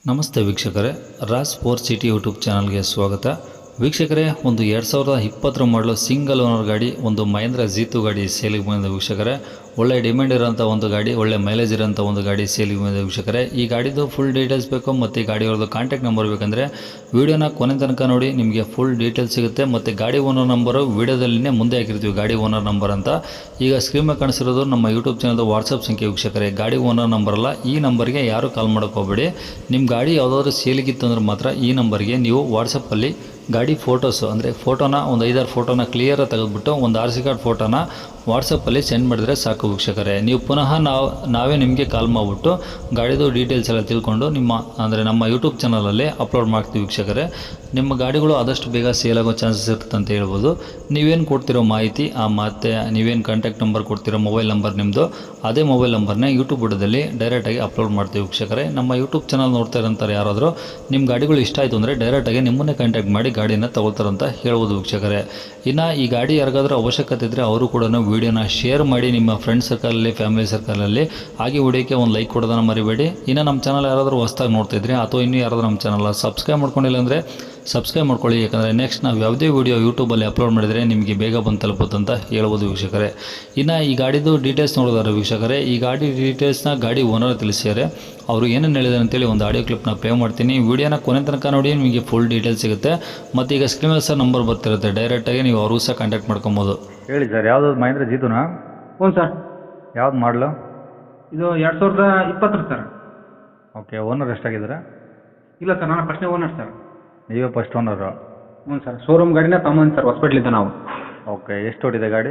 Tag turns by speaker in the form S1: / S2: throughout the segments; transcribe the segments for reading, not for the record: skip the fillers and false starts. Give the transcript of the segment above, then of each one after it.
S1: ನಮಸ್ತೆ ವೀಕ್ಷಕರೇ, Raj sports city YouTube ಚಾನಲ್ಗೆ ಸ್ವಾಗತ. ವೀಕ್ಷಕರೇ, ಒಂದು 2020 ಮಾಡಲು ಸಿಂಗಲ್ ಓನರ್ ಗಾಡಿ, ಒಂದು ಮಹೇಂದ್ರ ಜೀತು ಗಾಡಿ ಸೇಲಿಗೆ ಬಂದಿದೆ ವೀಕ್ಷಕರೇ. ಒಳ್ಳೆ ಡಿಮ್ಯಾಂಡ್ ಇರೋಂಥ ಒಂದು ಗಾಡಿ, ಒಳ್ಳೆ ಮೈಲೇಜ್ ಇರೋಂಥ ಒಂದು ಗಾಡಿ ಸೇಲಿಗೆ ಬಂದಿದೆ ವೀಕ್ಷಕರೇ. ಈ ಗಾಡಿದು ಫುಲ್ ಡೀಟೇಲ್ಸ್ ಬೇಕು ಮತ್ತು ಈ ಗಾಡಿಯವ್ರದ್ದು ಕಾಂಟ್ಯಾಕ್ಟ್ ನಂಬರ್ ಬೇಕಂದರೆ ವೀಡಿಯೋನ ಕೊನೆ ತನಕ ನೋಡಿ, ನಿಮಗೆ ಫುಲ್ ಡೀಟೇಲ್ಸ್ ಸಿಗುತ್ತೆ. ಮತ್ತು ಗಾಡಿ ಓನರ್ ನಂಬರು ವೀಡಿಯೋದಲ್ಲಿನೇ ಮುಂದೆ ಹಾಕಿರ್ತೀವಿ, ಗಾಡಿ ಓನರ್ ನಂಬರ್ ಅಂತ. ಈಗ ಸ್ಕ್ರೀನ್ ಮೇಲೆ ಕಾಣಿಸಿರೋದು ನಮ್ಮ ಯೂಟ್ಯೂಬ್ ಚಾನಲ್ದು ವಾಟ್ಸಪ್ ಸಂಖ್ಯೆ ವೀಕ್ಷಕರೇ. ಗಾಡಿ ಓನರ್ ನಂಬರ್ ಅಲ್ಲ, ಈ ನಂಬರ್ಗೆ ಯಾರು ಕಾಲ್ ಮಾಡೋಕ್ಕೆ ಹೋಗಬೇಡಿ. ನಿಮ್ಮ ಗಾಡಿ ಯಾವುದಾದ್ರೂ ಸೇಲಿಗಿತ್ತು ಅಂದ್ರೆ ಮಾತ್ರ ಈ ನಂಬರ್ಗೆ ನೀವು ವಾಟ್ಸಪ್ಪಲ್ಲಿ ಗಾಡಿ ಫೋಟೋಸು ಅಂದರೆ ಫೋಟೋನ ಒಂದು 5-6 ಫೋಟೋನ ಕ್ಲಿಯರಾಗಿ ತೆಗೆದುಬಿಟ್ಟು ಒಂದು RC ಕಾರ್ಡ್ ಫೋಟೋನ ವಾಟ್ಸಪ್ಪಲ್ಲಿ ಸೆಂಡ್ ಮಾಡಿದರೆ ಸಾಕು ವೀಕ್ಷಕರೇ. ನೀವು ಪುನಃ ನಾವೇ ನಿಮಗೆ ಕಾಲ್ ಮಾಡಿಬಿಟ್ಟು ಗಾಡಿದು ಡೀಟೇಲ್ಸ್ ಎಲ್ಲ ತಿಳ್ಕೊಂಡು ನಮ್ಮ ಯೂಟ್ಯೂಬ್ ಚಾನಲಲ್ಲಿ ಅಪ್ಲೋಡ್ ಮಾಡ್ತೀವಿ ವೀಕ್ಷಕರೇ. ನಿಮ್ಮ ಗಾಡಿಗಳು ಆದಷ್ಟು ಬೇಗ ಸೇಲ್ ಆಗೋ ಚಾನ್ಸಸ್ ಇರುತ್ತೆ ಅಂತ ಹೇಳ್ಬೋದು. ನೀವೇನು ಕೊಡ್ತಿರೋ ಮಾಹಿತಿ, ಮತ್ತು ನೀವೇನು ಕಾಂಟ್ಯಾಕ್ಟ್ ನಂಬರ್ ಕೊಡ್ತಿರೋ ಮೊಬೈಲ್ ನಂಬರ್ ನಿಮ್ಮದು, ಅದೇ ಮೊಬೈಲ್ ನಂಬರ್ನ ಯೂಟ್ಯೂಬ್ ಬುಡದಲ್ಲಿ ಡೈರೆಕ್ಟಾಗಿ ಅಪ್ಲೋಡ್ ಮಾಡ್ತೀವಿ ವೀಕ್ಷಕರೇ. ನಮ್ಮ ಯೂಟ್ಯೂಬ್ ಚಾನಲ್ ನೋಡ್ತಾ ಇರೋಂಥವ್ರು ಯಾರಾದರೂ ನಿಮ್ಮ ಗಾಡಿಗಳು ಇಷ್ಟ ಆಯಿತು ಅಂದರೆ ಡೈರೆಕ್ಟಾಗಿ ನಿಮ್ಮನ್ನೇ ಕಾಂಟ್ಯಾಕ್ಟ್ ಮಾಡಿ ಗಾಡಿನ ತಗೊಳ್ತಾರಂತ ಹೇಳ್ಬೋದು ವೀಕ್ಷಕರೇ. ಇನ್ನು ಈ ಗಾಡಿ ಯಾರಿಗಾದ್ರೂ ಅವಶ್ಯಕತೆ ಇದ್ದರೆ ಅವರು ಕೂಡ ವೀಡಿಯೋನ ಶೇರ್ ಮಾಡಿ ನಿಮ್ಮ ಫ್ರೆಂಡ್ ಸರ್ಕಲಲ್ಲಿ, ಫ್ಯಾಮಿಲಿ ಸರ್ಕಲಲ್ಲಿ. ಹಾಗೆ ವಿಡಿಯೋಕ್ಕೆ ಒಂದು ಲೈಕ್ ಕೊಡೋದನ್ನು ಮರಿಬೇಡಿ. ಇನ್ನು ನಮ್ಮ ಚಾನಲ್ ಯಾರಾದರೂ ಹೊಸ್ದಾಗಿ ನೋಡ್ತಿದ್ರೆ ಅಥವಾ ಇನ್ನೂ ಯಾರಾದರೂ ನಮ್ಮ ಚಾನಲ್ ಸಬ್ಸ್ಕ್ರೈಬ್ ಮಾಡ್ಕೊಂಡಿಲ್ಲ ಅಂದರೆ ಸಬ್ಸ್ಕ್ರೈಬ್ ಮಾಡ್ಕೊಳ್ಳಿ. ಯಾಕಂದರೆ ನೆಕ್ಸ್ಟ್ ನಾವು ಯಾವುದೇ ವೀಡಿಯೋ ಯೂಟ್ಯೂಬಲ್ಲಿ ಅಪ್ಲೋಡ್ ಮಾಡಿದರೆ ನಿಮಗೆ ಬೇಗ ಬಂದು ತಲುಪುತ್ತೆ ಅಂತ ಹೇಳ್ಬೋದು ವೀಕ್ಷಕರೇ. ಇನ್ನು ಈ ಗಾಡಿದು ಡೀಟೇಲ್ಸ್ ನೋಡಿದಾರೆ ವೀಕ್ಷಕರೇ. ಈ ಗಾಡಿ ಡೀಟೇಲ್ಸ್ನ ಗಾಡಿ ಓನರ್ ತಿಳಿಸಿದ್ದಾರೆ. ಅವರು ಏನೇನು ಹೇಳಿದ್ದಾರೆ ಅಂತೇಳಿ ಒಂದು ಆಡಿಯೋ ಕ್ಲಿಪ್ನ ಪ್ಲೇ ಮಾಡ್ತೀನಿ. ವೀಡಿಯೋನ ಕೊನೆ ತನಕ ನೋಡಿ, ನಿಮಗೆ ಫುಲ್ ಡೀಟೇಲ್ಸ್ ಸಿಗುತ್ತೆ. ಮತ್ತು ಈಗ ಸ್ಕ್ರೀನ್ ಮೇಲೆ ಸಹ ನಂಬರ್ ಬರ್ತಿರುತ್ತೆ, ಡೈರೆಕ್ಟಾಗಿ ನೀವು ಅವ್ರಿಗೂ ಸಹ ಕಾಂಟ್ಯಾಕ್ಟ್ ಮಾಡ್ಕೊಬೋದು.
S2: ಹೇಳಿ ಸರ್, ಯಾವುದು ಮಹೇಂದ್ರ ಜೀತುನಾ?
S3: ಹ್ಞೂ ಸರ್.
S2: ಯಾವ್ದು ಮಾಡಲು?
S3: ಇದು 2020 ಸರ್.
S2: ಓಕೆ. ಓನರ್ ಎಷ್ಟಾಗಿದ್ದಾರೆ?
S3: ಇಲ್ಲ ಸರ್, ನಾನು ಫಸ್ಟ್ನೇ ಓನರ್ ಸರ್.
S2: ನೀವೇ ಫಸ್ಟ್ ಓನರು?
S3: ಹ್ಞೂ ಸರ್. ಶೋರೂಮ್ ಗಾಡಿನ ತಗೊಂಬಂದು ಸರ್, ಹಾಸ್ಪಿಟ್ಲಿದ್ದ ನಾವು.
S2: ಓಕೆ. ಎಷ್ಟು ಓಡಿದೆ ಗಾಡಿ?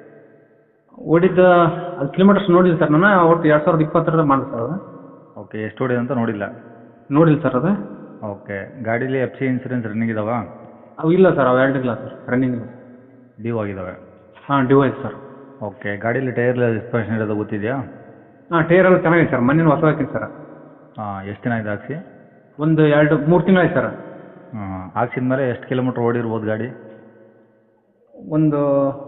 S3: ಓಡಿದ್ದು ಅದು ಕಿಲೋಮೀಟರ್ಸ್ ನೋಡಿಲ್ಲ ಸರ್ ನಾನು. ಒಟ್ಟು 2020 ಮಾಡಿದೆ ಸರ್ ಅದು.
S2: ಓಕೆ. ಎಷ್ಟು ಓಡಿದೆ ಅಂತ ನೋಡಿಲ್ಲ?
S3: ನೋಡಿಲ್ಲ ಸರ್ ಅದು.
S2: ಓಕೆ. ಗಾಡೀಲಿ FC ಇನ್ಸೂರೆನ್ಸ್ ರನ್ನಿಂಗ್ ಇದಾವ?
S3: ಅವು ಇಲ್ಲ ಸರ್, ಅವು ಎರಡು ಇಲ್ಲ ಸರ್, ರನ್ನಿಂಗ್ ಇಲ್ಲ.
S2: ಡ್ಯೂ ಆಗಿದ್ದಾವೆ?
S3: ಹಾಂ, ಡ್ಯೂ ಆಯ್ತು ಸರ್.
S2: ಓಕೆ. ಗಾಡೀಲಿ ಟೈರ್ ಎಕ್ಸ್ಪೆನ್ಷನ್ ಇರೋದು ಗೊತ್ತಿದೆಯಾ?
S3: ಹಾಂ, ಟೈರ್ ಎಲ್ಲ ಚೆನ್ನಾಗಿದೆ ಸರ್. ಮೊನ್ನೆ ಹೊಸ ಹಾಕಿನಿ ಸರ್.
S2: ಹಾಂ. ಎಷ್ಟು ದಿನ ಆಗಿದೆ ಹಾಕ್ಸಿ?
S3: ಒಂದು 2-3 ತಿಂಗಳು ಆಯ್ತು ಸರ್.
S2: ಹಾಂ. ಹಾಕ್ಸಿದ ಮೇಲೆ ಎಷ್ಟು ಕಿಲೋಮೀಟ್ರ್ ಓಡಿರ್ಬೋದು ಗಾಡಿ?
S3: ಒಂದು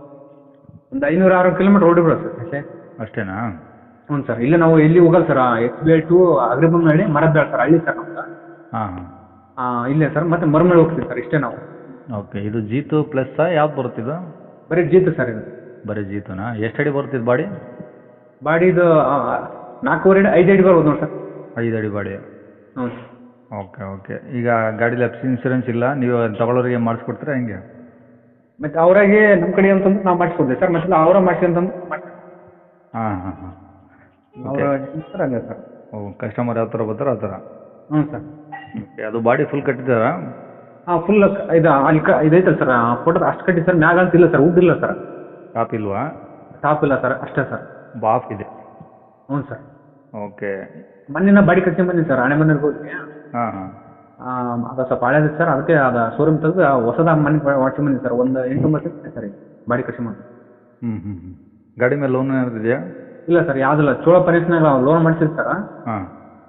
S3: 500-600 ಕಿಲೋಮೀಟ್ರ್ ಓಡಿಬಿಡೋದು ಸರ್ ಅಷ್ಟೇ.
S2: ಅಷ್ಟೇನಾ?
S3: ಹ್ಞೂ ಸರ್. ಇಲ್ಲ ನಾವು ಎಲ್ಲಿ ಹೋಗಲ್ಲ sir. SBI to Agribommanahalli, Marabyala sir, ಹಳ್ಳಿ ಸರ್ ನಮ್ದು.
S2: ಹಾಂ ಹಾಂ.
S3: ಇಲ್ಲೇ ಸರ್. ಮತ್ತೆ ಮರಮಳ್ಳಿ ಹೋಗ್ತೀವಿ ಸರ್, ಇಷ್ಟೇ ನಾವು.
S2: ಓಕೆ. ಇದು ಜೀತು ಪ್ಲಸ್ಸಾ? ಯಾವ್ದು ಬರುತ್ತಿದ್ದು?
S3: ಬರೀ ಜೀತು ಸರ್ ಇದು.
S2: ಬರೀ ಜೀತುನಾ? ಎಷ್ಟು ಅಡಿ ಬರ್ತಿದ್ದು ಬಾಡಿ?
S3: ಬಾಡಿದು 4.5 ಅಡಿ 5 ಅಡಿ ಬರ್ಬೋದು ನೋಡಿ ಸರ್.
S2: 5 ಅಡಿ ಬಾಡಿ?
S3: ಹ್ಞೂ.
S2: Okay okay. ಈಗ ಗಾಡೀಲಿ FC ಇನ್ಸೂರೆನ್ಸ್ ಇಲ್ಲ, ನೀವು ತಗೊಳ್ಳೋರಿಗೆ ಮಾಡಿಸ್ಕೊಡ್ತೀರಾ ಹೆಂಗೆ?
S3: ಮತ್ತು ಅವರಾಗೆ ನಮ್ಮ ಕಡೆ ಅಂತಂದ್ರೆ ನಾವು ಮಾಡಿಸ್ಕೊಡ್ತೀವಿ ಸರ್. ಮತ್ತೆ ಅವರ ಮಾಡಿಸಿ ಅಂತಂದ್ರೆ
S2: ಹಾಂ ಹಾಂ ಹಾಂ.
S3: ಅವರ ಸರ್ ಹಂಗೆ ಸರ್.
S2: ಓ, ಕಸ್ಟಮರ್ ಯಾವ ಥರ ಬರ್ತಾರೋ ಆ ಥರ?
S3: ಹ್ಞೂ ಸರ್.
S2: ಓಕೆ. ಅದು ಬಾಡಿ ಫುಲ್ ಕಟ್ಟಿದ್ದಾರಾ?
S3: ಹಾಂ, ಫುಲ್ ಇದು ಅಲ್ಲಿ ಇದೈತಲ್ಲ ಸರ್, ಫೋಟೋ ಅಷ್ಟು ಕಟ್ಟಿ ಸರ್. ಮ್ಯಾಗ ಅಂತ ಇಲ್ಲ ಸರ್, ವುಡ್ ಇಲ್ಲ ಸರ್.
S2: ಟಾಪ್ ಇಲ್ವಾ?
S3: ಟಾಪ್ ಇಲ್ಲ ಸರ್, ಅಷ್ಟೇ ಸರ್.
S2: ಬಾಫ್ ಇದೆ?
S3: ಹ್ಞೂ ಸರ್.
S2: ಓಕೆ.
S3: ಮೊನ್ನೆ ಬಾಡಿ ಕಟ್ಟಿ ಬಂದಿನಿ ಸರ್, ಹಣೆ ಮನೆಗೆ ಹೋಗಿ.
S2: ಹಾಂ ಹಾಂ.
S3: ಅದು ಸ್ವಲ್ಪ ಹಳೇದು ಸರ್, ಅದಕ್ಕೆ ಅದು ಶೋರೂಮ್ ತೆಗೆದು ಹೊಸದಾಗಿ ಮನೆ ಮಾಡ್ಸಿ ಬಂದಿನಿ ಸರ್. ಒಂದು 8-9 ತಿಂಗಳು ಸರ್ ಈಗ ಬಾಡಿ ಕಟ್ಟಿ ಮಾಡಿ.
S2: ಹ್ಞೂ. ಗಾಡಿ ಮೇಲೆ ಲೋನ್ ಏನಾದ್ರು ಇದೆಯಾ?
S3: ಇಲ್ಲ ಸರ್, ಯಾವುದಿಲ್ಲ. ಚೋಳ ಫೈನಾನ್ಸ್ನಾಗ ಲೋನ್ ಮಾಡಿಸಿದ್ದು ಸರ್.
S2: ಹಾಂ.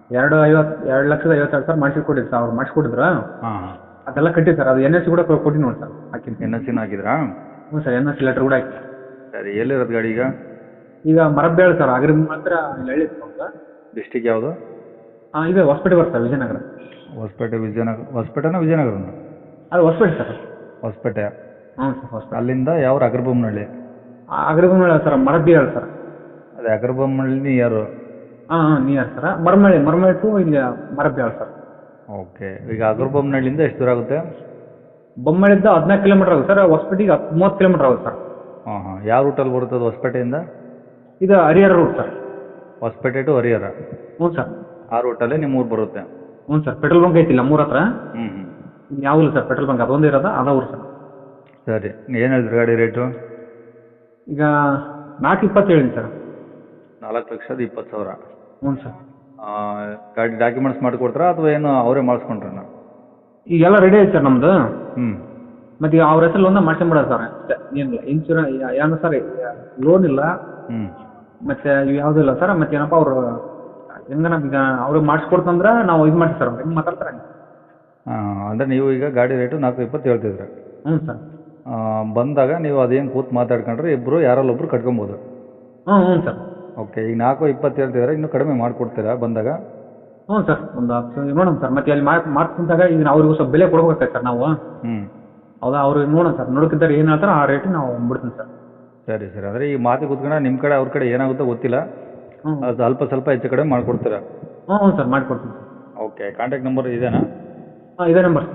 S3: 2,50,000 ಸರ್ ಮಾಡಿಸಿಕೊಟ್ಟಿದ್ದು ಸರ್, ಅವ್ರು ಮಾಡಿಸ್ಕೊಟ್ಟಿದ್ರು.
S2: ಹಾಂ ಹಾಂ.
S3: ಅದೆಲ್ಲ ಕಟ್ಟಿ ಸರ್. ಅದು NSC ಕೂಡ ಕೊಟ್ಟು ನೋಡಿ ಸರ್, ಹಾಕಿನಿ.
S2: NSC ಹಾಕಿದ್ರಾ?
S3: ಹ್ಞೂ ಸರ್, NSC ಲೆಟ್ರ್ ಕೂಡ ಹಾಕಿ.
S2: ಸರಿ. ಎಲ್ಲಿರೋದು ಗಾಡಿ ಈಗ?
S3: ಈಗ ಮರಬ್ಯಾಳ ಸರ್, ಅಗ್ರಿ ಮಾತ್ರ ಇಲ್ಲಿ ಹಳ್ಳಿ ಸರ್.
S2: ಡಿಸ್ಟಿಕ್ ಯಾವುದು?
S3: ಇದು ಹೊಸಪೇಟೆ ಬರುತ್ತೆ ಸರ್, ವಿಜಯನಗರ.
S2: ಹೊಸಪೇಟೆ ಹೊಸಪೇಟೆನಾ ವಿಜಯನಗರನ?
S3: ಅದು ಹೊಸಪೇಟೆ ಸರ್.
S2: ಹೊಸಪೇಟೆ?
S3: ಹ್ಞೂ ಸರ್, ಹೊಸಪೇಟೆ.
S2: ಅಲ್ಲಿಂದ ಯಾವ ಅಗ್ರಬೊಮ್ಮನಹಳ್ಳಿ?
S3: ಅಗ್ರಿಬೊಮ್ಮನಹಳ್ಳಿ ಸರ್, ಮರಬ್ಯಾಳ ಸರ್.
S2: ಅದೇ ಅಗ್ರಬೊಮ್ಮನಹಳ್ಳಿ ಯಾರು?
S3: ಹಾಂ ನಿಯರ್ ಸರ್. ಮರಮಳ್ಳಿ ಟು ಇಲ್ಲಿ ಮರಬ್ಯಾಳ ಸರ್.
S2: ಓಕೆ. ಈಗ ಅಗ್ರಬೊಮ್ಮನಹಳ್ಳಿಯಿಂದ ಎಷ್ಟು ದೂರ ಆಗುತ್ತೆ?
S3: ಬೊಮ್ಮಳ್ಳಿಂದ 14 ಕಿಲೋಮೀಟರ್ ಆಗುತ್ತೆ ಸರ್. ಹೊಸಪೇಟೆಗೆ 30 ಕಿಲೋಮೀಟರ್ ಆಗುತ್ತೆ ಸರ್.
S2: ಹಾಂ ಹಾಂ. ಯಾವ ರೂಟಲ್ಲಿ ಬರುತ್ತೆ ಅದು ಹೊಸಪೇಟೆಯಿಂದ?
S3: ಇದು Harihara route sir.
S2: Hosapete to Harihara?
S3: ಹ್ಞೂ ಸರ್.
S2: ಆ ರೂಟಲ್ಲೇ ನಿಮ್ಮ ಊರು ಬರುತ್ತೆ?
S3: ಹ್ಞೂ ಸರ್. ಪೆಟ್ರೋಲ್ ಬಂಕ್ ಐತಿಲ್ಲ ಮೂರ ಹತ್ರ.
S2: ಹ್ಞೂ.
S3: ಯಾವಿಲ್ಲ ಸರ್ ಪೆಟ್ರೋಲ್ ಬಂಕ್, ಅದೊಂದು ಇರೋದ, ಅದ ಊರು ಸರ್.
S2: ಸರಿ. ಏನು ಹೇಳಿದ್ರಿ ಗಾಡಿ ರೇಟು?
S3: ಈಗ 4.20 ಹೇಳಿನಿ ಸರ್.
S2: 4,20,000?
S3: ಹ್ಞೂ ಸರ್.
S2: ಗಾಡಿ ಡಾಕ್ಯುಮೆಂಟ್ಸ್ ಮಾಡಿಕೊಡ್ತಾರಾ ಅಥವಾ ಏನು ಅವರೇ ಮಾಡಿಸ್ಕೊಂಡ್ರಣ?
S3: ಈಗೆಲ್ಲ ರೆಡಿ ಐತೆ ಸರ್ ನಮ್ಮದು.
S2: ಹ್ಞೂ.
S3: ಮತ್ತು ಈಗ ಅವ್ರ ಹೆಸರು ಒಂದೇ ಮಾಡ್ಕೊಂಬಿಡೋದು ಸರ್, ಅಷ್ಟೇ. ಏನಿಲ್ಲ ಇನ್ಶೂರೆನ್ಸ್ ಏನು ಸರ್, ಲೋನ್ ಇಲ್ಲ.
S2: ಹ್ಞೂ.
S3: ಮತ್ತು ಇವು ಯಾವುದೂ ಇಲ್ಲ ಸರ್. ಮತ್ತು ಏನಪ್ಪ ಅವರು ಹೆಂಗೆ ನಮ್ಗೆ ಅವ್ರಿಗೆ ಮಾಡಿಸ್ಕೊಡ್ತಂದ್ರೆ ನಾವು ಇದು ಮಾಡ್ತೀವಿ ಸರ್. ಹೆಂಗೆ ಮಾತಾಡ್ತಾರೆ?
S2: ಹಾಂ. ಅಂದರೆ ನೀವು ಈಗ ಗಾಡಿ ರೇಟು 4,20 ಹೇಳ್ತಿದ್ರೆ?
S3: ಹ್ಞೂ ಸರ್.
S2: ಬಂದಾಗ ನೀವು ಅದೇನು ಕೂತು ಮಾತಾಡ್ಕೊಂಡ್ರೆ ಇಬ್ಬರು ಯಾರಲ್ಲೊಬ್ರು ಕಟ್ಕೊಬೋದು?
S3: ಹ್ಞೂ ಸರ್.
S2: ಓಕೆ. ಈಗ 4,20 ಹೇಳ್ತಿದ್ರೆ ಇನ್ನೂ ಕಡಿಮೆ ಮಾಡಿಕೊಡ್ತೀರಾ ಬಂದಾಗ?
S3: ಹ್ಞೂ ಸರ್ ಒಂದು ನೋಡೋಣ ಸರ್ ಮತ್ತೆ ಅಲ್ಲಿ ಮಾಡ್ಕೊಂಡಾಗ ಈಗ ಅವ್ರಿಗೂ ಸ್ವಲ್ಪ ಬೆಲೆ ಕೊಡ್ಬೇಕಾಗ್ತದೆ ಸರ್ ನಾವು.
S2: ಹ್ಞೂ
S3: ಹೌದಾ ಅವ್ರಿಗೆ ನೋಡೋಣ ಸರ್ ನೋಡೋಕ್ಕಿಂತ ಏನು ಹೇಳ್ತಾರೋ ಆ ರೇಟಿಗೆ ನಾವು ಬಿಡ್ತೀನಿ ಸರ್.
S2: ಸರಿ ಸರಿ, ಅಂದರೆ ಈ ಮಾತಿಗೆ ಕೂತ್ಕೊಂಡು ನಿಮ್ಮ ಕಡೆ ಅವ್ರ ಕಡೆ ಏನಾಗುತ್ತೋ ಗೊತ್ತಿಲ್ಲ,
S3: ಹ್ಞೂ
S2: ಅದು ಅಲ್ಪ ಸ್ವಲ್ಪ ಹೆಚ್ಚು ಕಡಿಮೆ ಮಾಡಿಕೊಡ್ತೀರಾ?
S3: ಹ್ಞೂ ಸರ್ ಮಾಡಿಕೊಡ್ತೀನಿ ಸರ್.
S2: ಓಕೆ, ಕಾಂಟ್ಯಾಕ್ಟ್ ನಂಬರ್ ಇದೇನಾ?
S3: ಹಾಂ ಇದೇ ನಂಬರ್ ಸರ್.